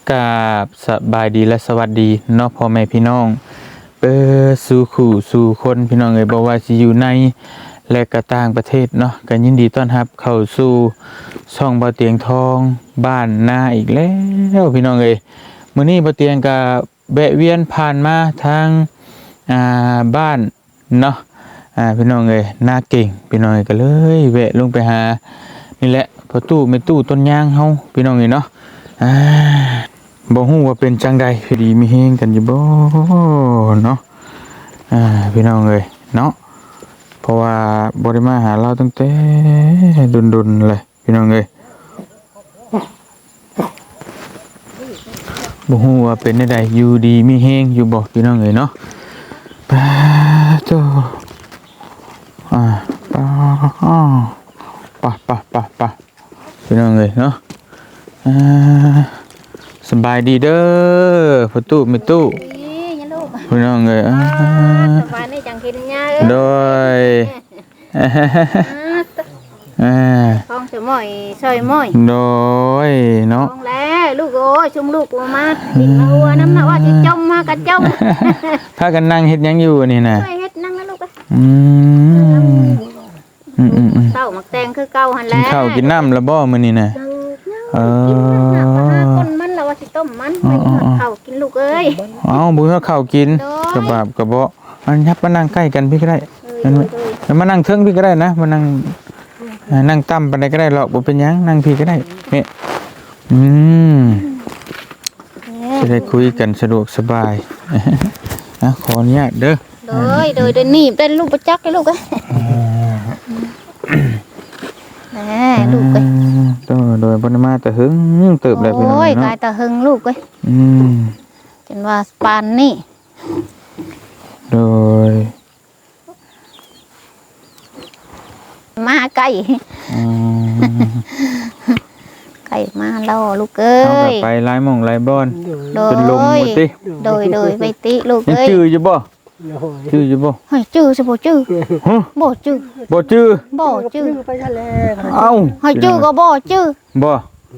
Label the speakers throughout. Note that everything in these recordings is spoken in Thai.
Speaker 1: กราบสบายดีและสวัสดีเนาะพ่อแม่พี่น้องสู่ขู่สู่คนพี่น้องเอ้ยบ่ว่าสิอยู่ในและก็ต่างประเทศเนาะก็ยินดีต้อนรับเข้าสู่ช่องบ่เตียงทองบ้านนาอีกแล้วพี่น้องเอ้ยมื้อนี้บ่เตียงก็แวะเวียนผ่านมาทางบ้านเนาะพี่น้องเอ้ยนาเก่งพี่น้องเอ้ยก็เลยแวะลงไปหานี่แหละพ่อตู้แม่ตู้ต้นยางเฮาพี่น้องเอ้ยเนาะบ่ฮู้ว่าเป็นจังใดพี่ดีมีเฮงกันอยู่บ่เนาะพี่น้องเอ้ยเนาะเพราะว่าบ่ได้มาหาเราตั้งแต่ดุนๆเลยพี่น้องเอ้ยบ่ฮู้ว่าเป็นจังใดอยู่ดีมีเฮงอยู่บ่พี่น้องเอ้ยเนาะปะโตปะพี่น้องเอ้ยเนาะสบายดีเด้อพ่อตู้แม่ตู้พี่น้องเอ้ย
Speaker 2: สบายนี่จังกินยาเอ้ย
Speaker 1: โดย
Speaker 2: ห้องสมอยซอยมอย
Speaker 1: โดยเนาะ
Speaker 2: ห้องแล้วลูกโอ้ยชุมลูกมาดินมาหัวน้ำหนักว่าสิจมมากระจม
Speaker 1: พากันนั่งเฮ็ดหยังอยู่นี่น่ะ
Speaker 2: เฮ็ดนั่งนะลูกเต้าหมักแตงคือเก่าหั่นแหละ
Speaker 1: กินข้าวกินน้ำแล้วบ่มื้อนี้น่ะ
Speaker 2: กินน้ำหาคนมันแล้วว่าสิต้มมันไปข้าวกินลูกเอ้ย
Speaker 1: บ่ฮอดข้าวกินกระบาบกระเบาะอันยับมานั่งใกล้กันพี่ก็ได้มานั่งเทิงพี่ก็ได้นะมานั่งต่ำปานใดก็ได้หรอกบ่เป็นหยังนั่งพี่ก็ได้นี่จะได้คุยกันสะดวกสบายขออนุญาตเด้อ
Speaker 2: โดยนี่เป็นลูกประจักษ์เลยลูกเอ้ยลูกเอ้ย
Speaker 1: โดยบ่ได้มาแต่หึงเติบได้พี่น้องเนาะ
Speaker 2: โอ้ยกายแต่หึงลูกเอ้ยจนว่าปานนี่
Speaker 1: โดย
Speaker 2: มาไก่ไก่มาแล้วลูกเอ้ย
Speaker 1: ไปหลายหม่องหลายบ่อนเป็นลมหมดติ
Speaker 2: โดยไปติลูกเอ้ย
Speaker 1: ชื่ออยู่บ่ชื่ออยู่บ่
Speaker 2: เฮ้ยชื่อสิบ่ชื่อบ่ชื่อ
Speaker 3: ไปทะเล
Speaker 1: เอ้า
Speaker 2: เฮ้ยชื่อก็บ่ชื่อ
Speaker 1: บ่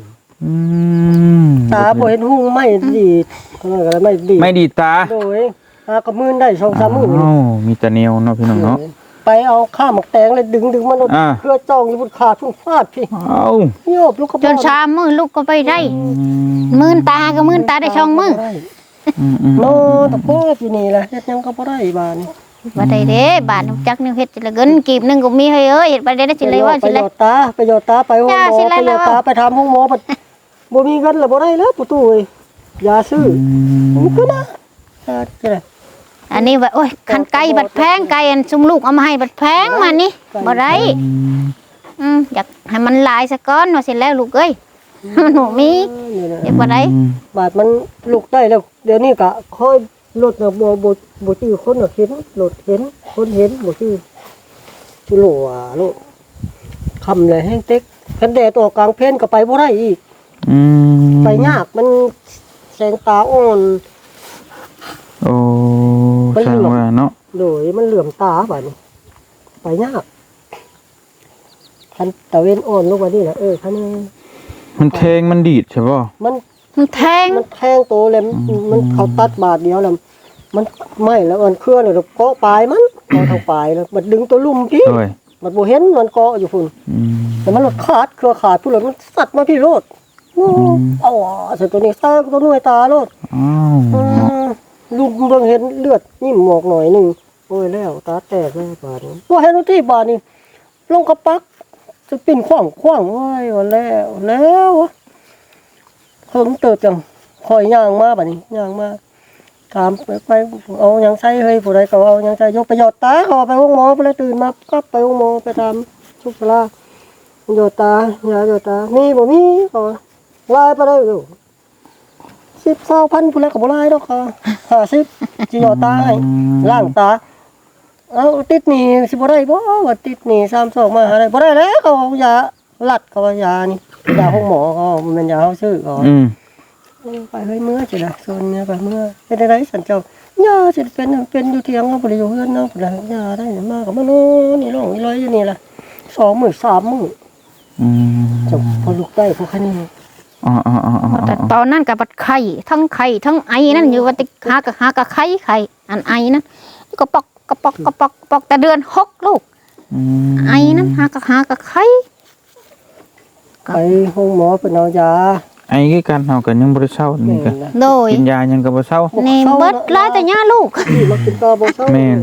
Speaker 3: ตาบ่เห็นหุ่งไม่ดี
Speaker 1: ไม่ดีตา
Speaker 3: โดยก็มื้อได้ 2-3 มื้อ
Speaker 1: มีแต่แนวเนาะพี่น้องเนาะ
Speaker 3: ไปเอาข้าวหมกแตงเลยดึงมันเพื่อจ้องอยู่บนขาทุ่งฟาดพี่โยบลูกก็
Speaker 2: จน3 มื้อลูกก็ไปได้มื้อตาก็มื้อตาได้2 มื้อ
Speaker 3: โนตะโพดอยู่นี่แหละเฮ็ดหยังก็บ่ได้บาดนี้
Speaker 2: บ่ได้เด้บาดจักนึงเฮ็ดสิละเงินกีบนึงก็มีให้เอ้ยเฮ็ดไปได้สิเลยว่าสิเลย
Speaker 3: ไปหยอดตาไปห้องหมอไปหยอดตาไปทำห้องหมอบ่มีเงินแล้วบ่ได้แล้วปู่ตู้เอ้ยยาซื้อมันก็นะ
Speaker 2: อันนี้ว่าโอ้ยคันไก่บัดแพงไก่อันซุมลูกเอามาให้บัดแพงมานี่บ่ได้อยากให้มันลายซะก่อนว่าสิแล้วลูกเอ้ยหนูมีเฮ็ดบ่ได้
Speaker 3: บาดมันลูกได้แล้วเดี๋ยวนี้ก็ค่อยรถน่ะบ่จื้อคนน่ะเห็นรถเห็นคนเห็นบ่จื้อจุโลโลคำเลยแห้งเต็กคันแดดออกกลางเพนก็ไปบ่ได้อีกไปยากมันแสงตาอ่อน
Speaker 1: โอ้ใช่ว่าเนาะ
Speaker 3: โดยมันเหลื่อมตาบัดนี้ไปยากคันตะเวนอ่อนลงมานี่น่ะคันนี้
Speaker 1: มันแทงมันดีดใช่ป่ะ
Speaker 2: มันแทง
Speaker 3: โตเลยมันเขาตัดบาดเดียวแล้วมันไม่แล้วมันเคลื่อนเลยเกาะปลายมันเกาะทางปลายแล้วมันดึงตัวลุ่มพี่มันบ่เห็นมันเกาะอยู่พุ่นแต่มันหลุดขาดเครือขาดพุ่นเลยมันสัตว์มาพี่โลดเสร็จตัวนี้ตาตัวน้อยตาโลดลุงเบิ่งเห็นเลือดนิ่มหมอกหน่อยนึงโอ้ยแล้วตาแตกเลยบาดนี้บ่เห็นที่บาดนี้ลงกระปักจะปิ่นขว้างโอ้ยว่าแล้วเพิ่งเติบจังคอยย่างมาบัดนี้ย่างมาถามไปเอาหยังใส่เฮ้ยผู้ใดก็เอาหยังใส่ยกไปหยอดตาเขาไปห้องหมอไปเลยตื่นมากลับไปห้องหมอไปทำชุบลาหยอดตายาหยอดตามีบ่มีก็ลายไปเลยอยู่10,000ผู้ใดก็บ่ลายดอกค่ะ50สิหยอดตาให้ล้างตาเอาติดหนี้สิบ่ได้บ่ว่าติดหนี้32มาหาได้บ่ได้แล้วเขาเอายาลัดเขาว่ายานี่ยาห้องหมอเขามันยาเฮาซื้อก็ไปเฮ้ยเมื่อจิล่ะโซนเนี่ยไปเมื่อเป็นได้สันเจ้าย่าสิเป็นอยู่เที่ยงเนาะบ่ได้อยู่เฮือนเนาะบ่ได้ย่าได้มาก็มาโน่นี่ร้องอีร้อยอยู่นี่ล่ะ2 มื้อ 3 มื้อจบพอลูกได้พอคันนี้
Speaker 1: อ๋ออ๋ออ๋ออ๋อ
Speaker 2: แต่ตอนนั้นกับบัดไข่ทั้งไอนั่นอยู่ว่าติหากะไข่อันไอนั่นก็ปอกแต่เดือน6ลูกไอนั่นหากะไข่
Speaker 3: ไปห้องหมอเป็นเอายา
Speaker 1: ไอ้คือกันเฮาก็ยังบ่ได้เซานี่ก็
Speaker 2: โดย
Speaker 1: กินยายังก็บ่เซา
Speaker 2: นี่เบิดหลายแต่ย่าลูก
Speaker 3: ที่มากินตาบ่เศร้า
Speaker 1: แม่น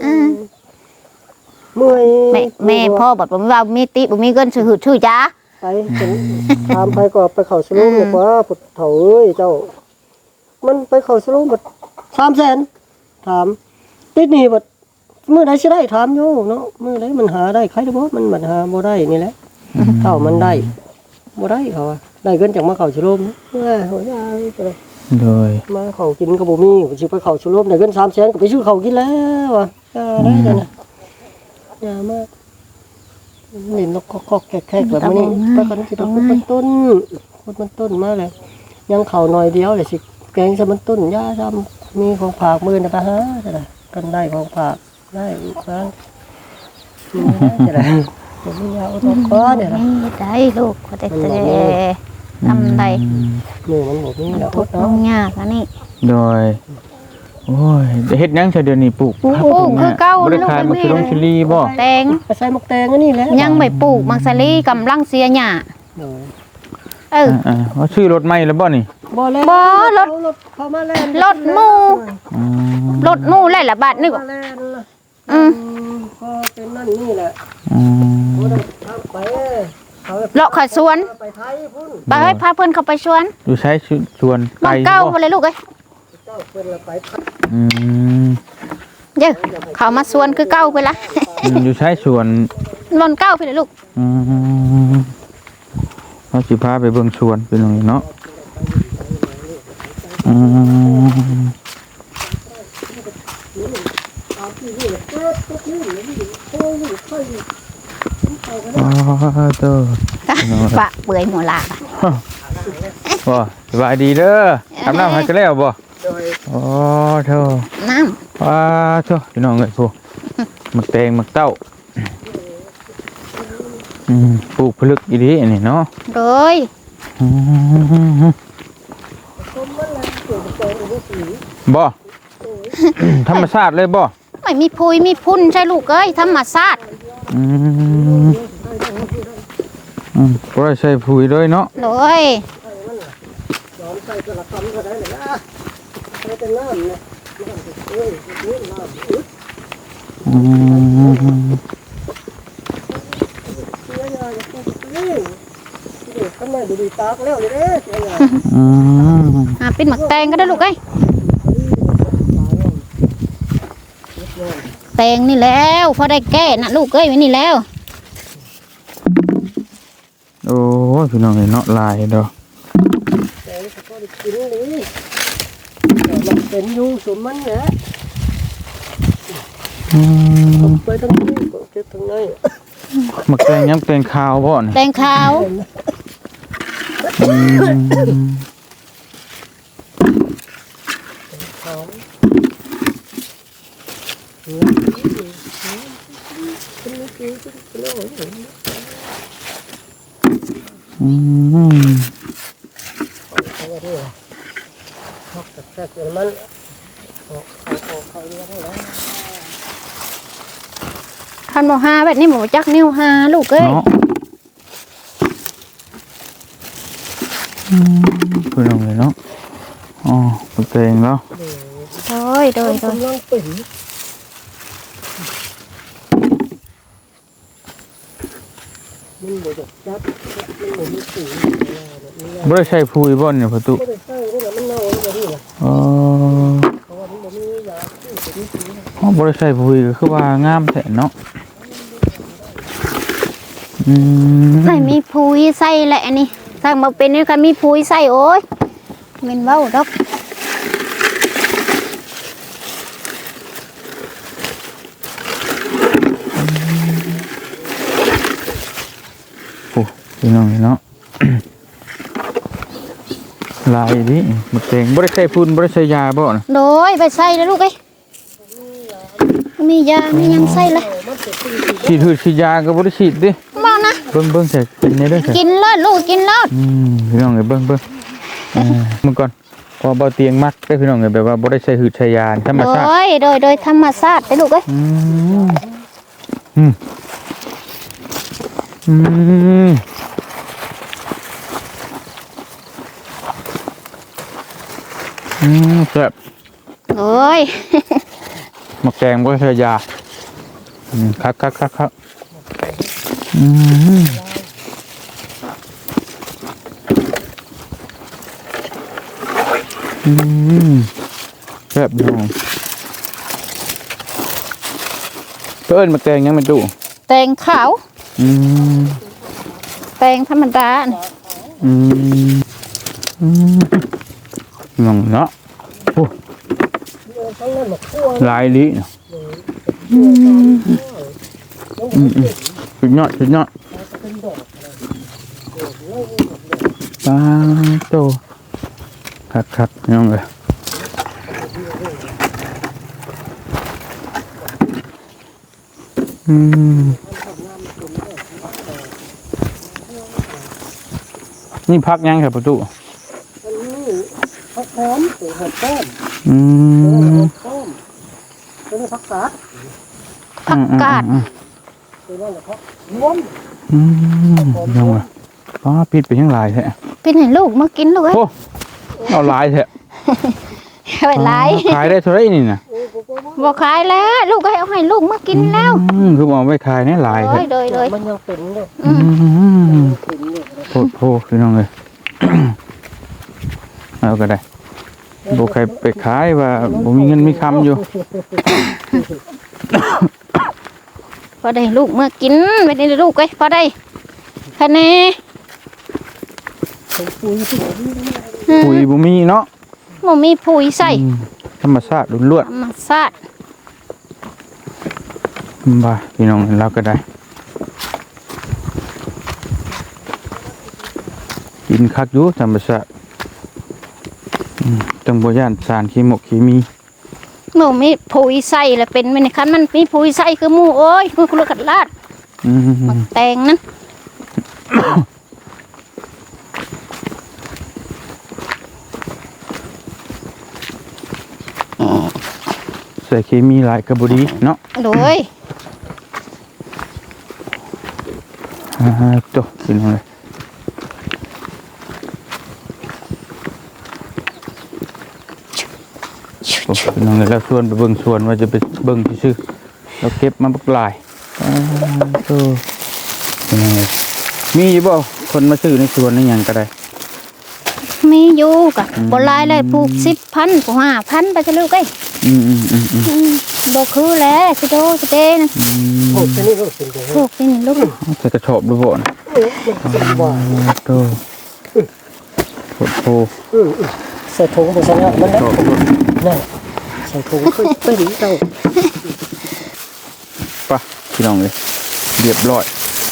Speaker 3: เมื่อย
Speaker 2: แม่พ่อบอกว่ามีติบ่มีเงินชื่อยา
Speaker 3: ไปจนถามไปก็ไปเข้าสโลมบอกว่าพุทธเฒ่าเอ้ยเจ้า มันไปเข้าสโลมบัด300,000ถามติดหนี้บัดมื้อใดสิได้ถามอยู่เนาะมื้อใดมันหาได้ใครได้บ่มันบัดหาบ่ได้นี่แหละเท่ามันได้บ่ได้เขาว่าได้เงินจากมาเข้าสโลมโหยาไปเลย
Speaker 1: โดย
Speaker 3: มาเขากินก็บ่มีสิไปเข้าสโลมได้เงิน300,000ก็ไปซื้อข้าวกินแล้วว่ะได้จังนะยามากนี่นกคอกแขกแบบนี้ไปกันสิต้องมันต้นมันต้นมาเลยยังเข่าหน่อยเดียวเลยสิแกงซะมันต้นยาซ้ำมีของผากมือนะไปหาจะได้กันได้ของผากได้อีกครั้งจะได้ผมมียาอุดมก้อนเนี่ยนะ
Speaker 2: นี่ได้ลูกก็แต่ทำได้
Speaker 3: มือมันบอกนี่แหละ
Speaker 2: ทุก
Speaker 3: เนาะ
Speaker 2: ลงยากอันนี้
Speaker 1: โดยโอ้ยเฮ็ดหยังซะเดี๋ยวนี้ปลูก
Speaker 2: ปลูกคือเก่า
Speaker 1: บ่ได้ขาย
Speaker 2: ลู
Speaker 1: มะ
Speaker 2: ก
Speaker 1: เขือชิลีบ่
Speaker 2: แตง
Speaker 3: ไปใส่หมกแตงอันนี้แหละ
Speaker 2: ยังไม่ปลูกมังสลีกำลังเสียหญ้าเออ
Speaker 1: ว่าชื่อรถใหม่แล้วบ่นี่
Speaker 3: บ่แล้ว
Speaker 2: บ่รถ
Speaker 3: เข้ามาแล้ว
Speaker 2: รถหมู่
Speaker 1: อืม
Speaker 2: รถหมู่แล้วละบาทนึก
Speaker 3: มาแล้ว ก็เป็นนั่นนี่แหละ
Speaker 1: อืม
Speaker 3: บ่ได้ทำไปเขา
Speaker 2: เลาะขอสวน
Speaker 3: ไปไทยพุ่น
Speaker 2: ไปให้พาเพิ่นเข้าไปสวน
Speaker 1: อยู่ใช้ชวน
Speaker 2: มองเก้าบ่เลยลูกเอ้ย
Speaker 3: เจ้าเพิ่นละไปไทย
Speaker 1: อืม
Speaker 2: เด้อเข้ามาสวนคือเก้าไปละ
Speaker 1: อยู่ใช้ชวน
Speaker 2: ลอนเก้าไปเลยลูก
Speaker 1: อืมเราสิพาไปเบิ่งชวนเป็นจังไดเนาะอืมอ๋อเด้อ
Speaker 2: ปะเปื่อยหมดละ
Speaker 1: บ่สบายดีเด้ออาบน้ำให้กันแล้วบ่
Speaker 3: โดย
Speaker 1: อ๋อเธอ
Speaker 2: น้
Speaker 1: ว้าเธอพี่น้องเอ้ยพวกมักแตงมักเต้าปลูกผลึกอีดีอันนี้เนาะ
Speaker 2: ำโดย
Speaker 1: อืมบ่ ธรรมชาติเลยบ่
Speaker 2: ไม่มีพุยมีพุ่นใช่ลูกเอ้ยธรรมชาติ
Speaker 1: อืมบ่ได้ใส่ปุ๋ยเลยเนาะ
Speaker 2: โดย
Speaker 3: ยอมใส่กระทำก็ได้เลยนะใส่แต่น้ำเนี่ยน้ำเอ้ยนี่น้ำอึด
Speaker 1: อืม
Speaker 3: เสียยาจะพูดนี่เด็กทำไมดูดีตากแล้วเลยเด้เสียยา
Speaker 1: อืม
Speaker 2: เป็นหมักแตงก็ได้ลูกเอ้ยแตงนี่แล้วพอได้แก้นะลูกเอ้ยไว้นี่แล้ว
Speaker 1: โอ้ยพี่น้องเอ้ยเนาะลายดอก
Speaker 3: แต่ก็ได้กินเลยแต่มันเป็นอยู่สมมันเนี่ย
Speaker 1: อืม
Speaker 3: ไปทั้งนี้ก็เก็บทั้งใน
Speaker 1: มักแตงยังแตงขาวบ่นี่
Speaker 2: แตงขาว
Speaker 1: อืม
Speaker 3: เขา
Speaker 1: อืม
Speaker 3: แค่มัน
Speaker 2: คันบ่หาแบบนี้บ่จักนิ้วหาลูกเอ้ย
Speaker 1: เนาะพี่น้องเอ้ยเนาะอ๋อมักแตงเนาะ
Speaker 2: โดย
Speaker 3: กำลังเป็นมันบ่จะจับมันบ่มีสี
Speaker 1: บ่ได้ใช้ปุ๋ยบ่เนี่ยประตู
Speaker 3: ก็ได้ใส่นี่แหละมันเน่าอย่างนี้แหละ
Speaker 1: อ๋อ
Speaker 3: เพราะว่ามันบ่มียาที่จะมีสี
Speaker 1: อ๋อบริษัทปุ๋ยก็คือว่างามแท้เนาะอืม
Speaker 2: ไม่มีพุยใส่แหละอันนี้ถ้ามาเป็นนี่ก็มีพุยใส่โอ้ยแม่นเว้าดอก
Speaker 1: โอ้พี่น้องเนาะ ลายดิมาเต็งบริษัทพุ่นบริษัทยาบ่นะ
Speaker 2: โดยไปใส่แล้วลูกเอ้ยมียามีหยังใส่เลย
Speaker 1: ฉีดหืดฉีดยากับบริษัทดิ
Speaker 2: บ่นะ
Speaker 1: เบิ่งใส่กินได้เด้อ
Speaker 2: กินเลิศลูกกินเลิศ
Speaker 1: พี่น้องเอ้ยเบิ่งมึงก่อนพอเบาเตียงมักได้พี่น้องเอ้ยแบบว่าบ่ได้ใช้หืดใช้ยาธรรมชาติ
Speaker 2: โดยธรรมชาติไปลูกเอ้ย
Speaker 1: แซ่บ
Speaker 2: โอ้ย
Speaker 1: หมักแกงบ่ใช้ยาครับแซ่บน้องเอิ้นหมักแกงยังไม่ตู้
Speaker 2: แตงขาวแตงธรรมดาน่ะ
Speaker 1: น้องเนาะโอ้หลายลิสุดยอดปลาโตครับน้องเอ้ยนี่พักยังครับประตู
Speaker 3: ผักหอมผักต้มเป็นผักกาด
Speaker 2: ผักกาด
Speaker 3: เป็นนั่นแหละครับรวม
Speaker 1: ยังไงปิดไปยังหลายแท้
Speaker 2: เป็นให้ลูกมากินลูกเอ้ย
Speaker 1: โอ้เอาหลายแท้
Speaker 2: ไปหลาย
Speaker 1: ขายได้เท่าไหร่นี่น่ะ
Speaker 2: บ่ขายแล้วลูกเอ้ยเอาให้ลูกมากินแล้ว
Speaker 1: คือเอาไว้ขายเนี่ยหลายแท้
Speaker 2: โดย
Speaker 3: มันยังเป็นเลย
Speaker 1: โทษพี่น้องเลย เอาก็ได้บ่ใครไปขายว่าบ่มีเงินมีคำอยู่
Speaker 2: พอได้ลูกมากินไปได้ลูกเอ้ยพอได้คะแนน
Speaker 1: ปุ๋ยบ่มีเนาะ
Speaker 2: บ่มีปุ๋ยใส่
Speaker 1: ธรรมชาติล้วน
Speaker 2: ธรรมชาติ
Speaker 1: ๆบ่าพี่น้องเราก็ได้กินคักอยู่ธรรมชาติจังบ่ย่านสารเคมี
Speaker 2: บ่มีปุ๋ยใส่แล้วเป็นมันคันมันมีปุ๋ยใส่คือหมู่โอ้ยคือลูกกัดลาดมักแตงนั้น
Speaker 1: ใส่เคมีหลายก็บ่ดีเนาะ
Speaker 2: โดย
Speaker 1: จบพี่น้องเลยพี่น้องเลยแล้วชวนไปเบิ่งสวนว่าจะไปเบิ่งซื่อๆแล้วเก็บมาบักหลายพี่น้องเลยมีอยู่บ่คนมาซื้อในสวนนี่หยังก็ได้
Speaker 2: มีอยู่กะบ่หลายเลยปลูก10,000ปลูก5,000ไปซะลูกเอ้ยบ่คือแล้วสิโดสิเด้นะ
Speaker 3: โอ้ตัวนี้ก็เป็นตัว
Speaker 2: ปลูกนี่ลูก
Speaker 1: ใส่กระสอบดูบ่นะ
Speaker 3: ว่า
Speaker 1: โตโห
Speaker 3: ใส่ถุงไปซะแล้วมันได้นั่นใส่ถุงขึ้นไปดีเจ้า
Speaker 1: ป่ะพี่น้องเลยเรียบร้อย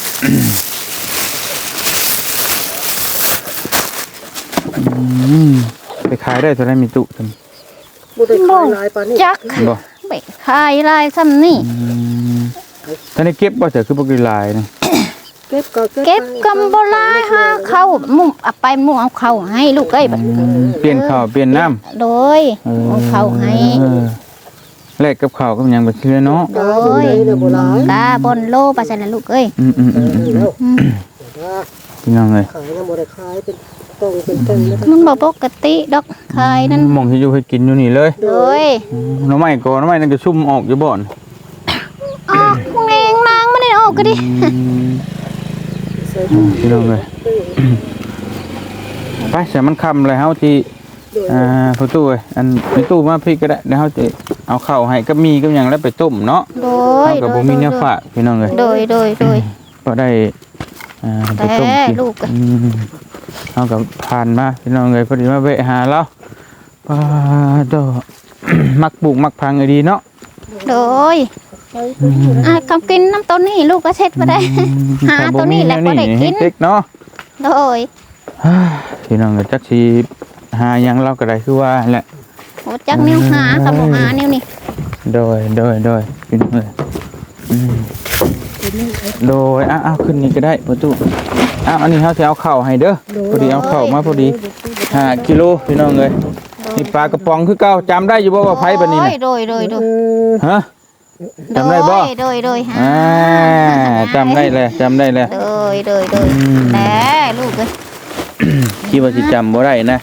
Speaker 1: ไปขายได้เท่าไรมีตุทำ
Speaker 3: บ่ได้ขายหลายปานนี้
Speaker 2: จัก
Speaker 1: บ่
Speaker 2: ไปขายลายซ้ำนี่
Speaker 1: ท่านได้เก็บบ่เถอะคือบ่กี่ลายนะ
Speaker 3: เก็บก็
Speaker 2: เก็บกำบ่หลายหาเข้ามุ่งเอาไปมุ่งเอาเข้าให้ลูกเอ้ยบัด
Speaker 1: เปลี่ยนข้าวเปลี่ยนน้ำ
Speaker 2: โดยเอาเข้าให้
Speaker 1: แลกกับข้าวกับหยังไปซื้อเนาะ
Speaker 2: โดยกาบนโลไปซั่นน่ะลูกเอ้ย
Speaker 1: พี่น้องเลย
Speaker 3: ขายนะบ่ได้ขายเป็นต้องเป็นต้นนะ
Speaker 2: มันบ่ปกติดอกขายนั่น
Speaker 1: มองที่อยู่ให้กินอยู่นี่เลย
Speaker 2: โดย
Speaker 1: หน่อไม้ก่อนหน่อไม้นั่นก็ชุ่มออกอยู่บ่อน
Speaker 2: ออกเองนางไม่ได้ออกก็ดิ
Speaker 1: พี่น้องเลยไปเสียมันคำเลยเฮาที่พอตู้เอ้ยอันไปตู้มาพี่ก็ได้เดี๋ยวเฮาจะเอาข้าวให้กับมีกับหยังแล้วไปต้มเนาะ
Speaker 2: โดย
Speaker 1: เฮากับบ่มีเนื้อฝากพี่น้องเลย
Speaker 2: โดย
Speaker 1: ก็ได้ไปต้มกิน
Speaker 2: ลูก
Speaker 1: เฮากับผ่านมาพี่น้องเลยพอดีมาแวะหาเราป้าดอ มักปลูกมักพังไอ้ดีเนาะ
Speaker 2: โดยคำกินน้ำต้นนี่ลูกก็เช็ดมาได้ หาตัวนี้แหละบ่ได้กิน
Speaker 1: เด็กเนาะ
Speaker 2: โดย
Speaker 1: พี่น้องก็จักสิหาหยังเราก็ได้คือว่าแหละ
Speaker 2: โอ้จักนิ้วหาคำบอกหานิ้วนี่
Speaker 1: โดยพี่น้องเลยโดยเอาขึ้นนี่ก็ได้ประตูอันนี้เขาจะเอาเข่าให้เด้อพอดีเอาเข่ามาพอดี5 กิโลพี่น้องเลยนี่ปลากระป๋องคือเก่าจำได้อยู่บ่ว่าไผบัดนี้น่ะ
Speaker 2: โดย
Speaker 1: ฮะจำได้บ่
Speaker 2: โดย
Speaker 1: จำได้เลย
Speaker 2: โดยแหน่ลูกเอ้ย
Speaker 1: คิดว่าสิจำบ่ได้นะ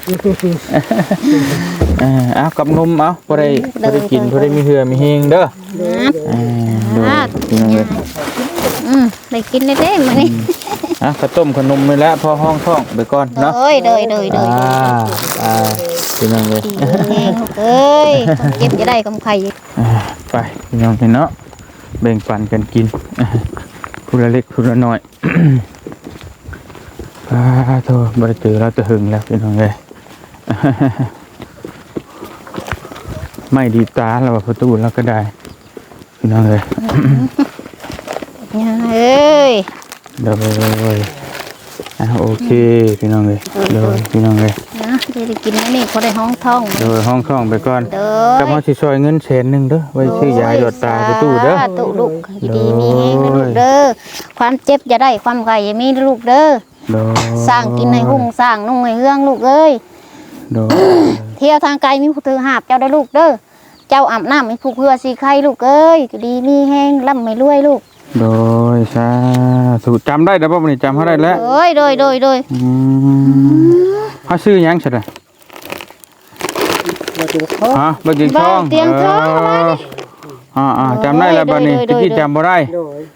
Speaker 1: เอากับนมเอาบ่ได้กินบ่ได้มีเหือมีเฮงเด้อพี่น้องเลย
Speaker 2: ได้กินได้มื้อนี้
Speaker 1: ข้าวต้มขนมนี่แหละพอห้องท้องไปก่อนเนาะ
Speaker 2: โดย
Speaker 1: พี่น้องเลย
Speaker 2: เอ้ยเก็บจะได้กำไข่
Speaker 1: ไปพี่น้องเนาะแบ่งปันกันกินผู้ละเล็กผู้ละน้อยโทษบริตือเราจะหึงแล้วพี่น้องเลยไม่ดีตาเราประตูเราก็ได้พี่น้องเลย
Speaker 2: เอ้ย
Speaker 1: เดี๋ยวเลยโอเคพี่น้องเลยเดี๋ยวพี่น้องเลย
Speaker 2: นะได้กินนี่เขาได้ห้องท้อง
Speaker 1: เดี๋ยวห้องท้องไปก่อนกับมาชิซอยเงิน100,000เด้อไว้ซื้อยาหยดตาประตูเด้อ
Speaker 2: ตุลูกดีมีลูกเด้อความเจ็บจะได้ความไก่อย่ามีลูกเด้อสร้างกินให้หุ่งสร้างนุ่งให้เฮืองลูกเอ้ยเที่ยวทางไกลมีผู้ถือหาบเจ้าได้ลูกเด้อเจ้าอาบน้ำมีผู้เพื่อสีไข่ลูกเอ้ยดีมีแห้งร่ำไม่รวยลูก
Speaker 1: โดยสาธุจำได้แล้วป่ะวันนี้จำเขาได้แล้ว
Speaker 2: โดย
Speaker 1: เขาซื้อยังใช่ไหมบักกิ่งทอง
Speaker 2: เตียงทอง
Speaker 1: จำได้แล้วบัดนี้ตะกี้จำบ่ได้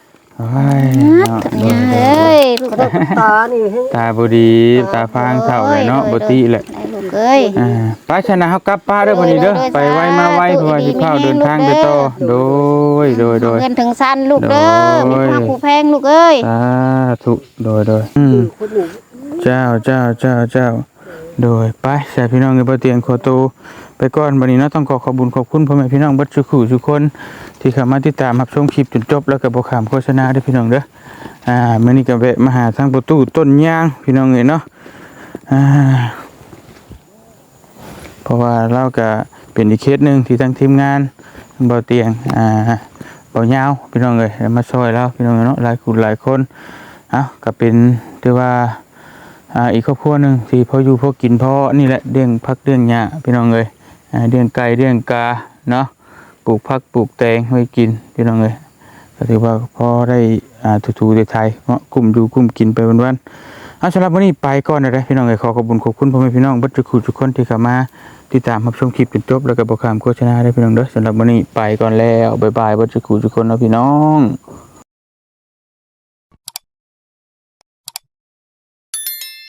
Speaker 2: เฮ้ยลูก
Speaker 3: ตานี่
Speaker 1: ตาบดีตาฟางเท่าเลยเนาะบดีแหละป้าชนะเขากลับป้าเด้อวันนี้เด้อไปไวมาไวเพราะว่าสิเข้าเดินทางไปต่อโดย
Speaker 2: เงินถึงสั้นลูกเด้อมีพระผู้แพงลูกเอ้ย
Speaker 1: ถูกโดยเจ้าโดยไปใส่พี่น้องในบ่เตียงโคโตไปก่อนวันนี้เนาะต้องขอบุญขอบคุณพ่อแม่พี่น้องบัดทุกคนที่เข้ามาติดตามรับชมคลิปจนจบแล้วก็บ่ข้ามโฆษณาด้วยพี่น้องเด้อมื้อนี้ก็แวะมาหาทางประตูต้นยางพี่น้องเอ้ยเนาะเพราะว่าเราก็เป็นอีกเคสนึงที่ทางทีมงานบ่เตียงบ่ยาวพี่น้องเอ้ยมาช่วยเราพี่น้องเนาะหลายคนก็เป็นถือว่าอีกครอบครัวหนึ่งที่พออยู่พอกินพอนี่แหละเลี้ยงพักเลี้ยงหญ้าพี่น้องเลยเลี้ยงไก่เลี้ยงกาเนาะปลูกผักปลูกแตงไว้กินพี่น้องเลยก็ถือว่าพอได้ถูๆไทยๆเนาะกลุ่มดูกลุ่มกินไปวันๆสำหรับวันนี้ไปก่อนนะพี่น้องเลยขอบคุณพ่อแม่พี่น้องบัดทุกคนที่เข้ามาติดตามรับชมคลิปจนจบแล้วก็บ่ข้ามโฆษณาได้พี่น้องเด้อสำหรับวันนี้ไปก่อนแล้วบ๊ายบายบัดทุกคนนะพี่น้อง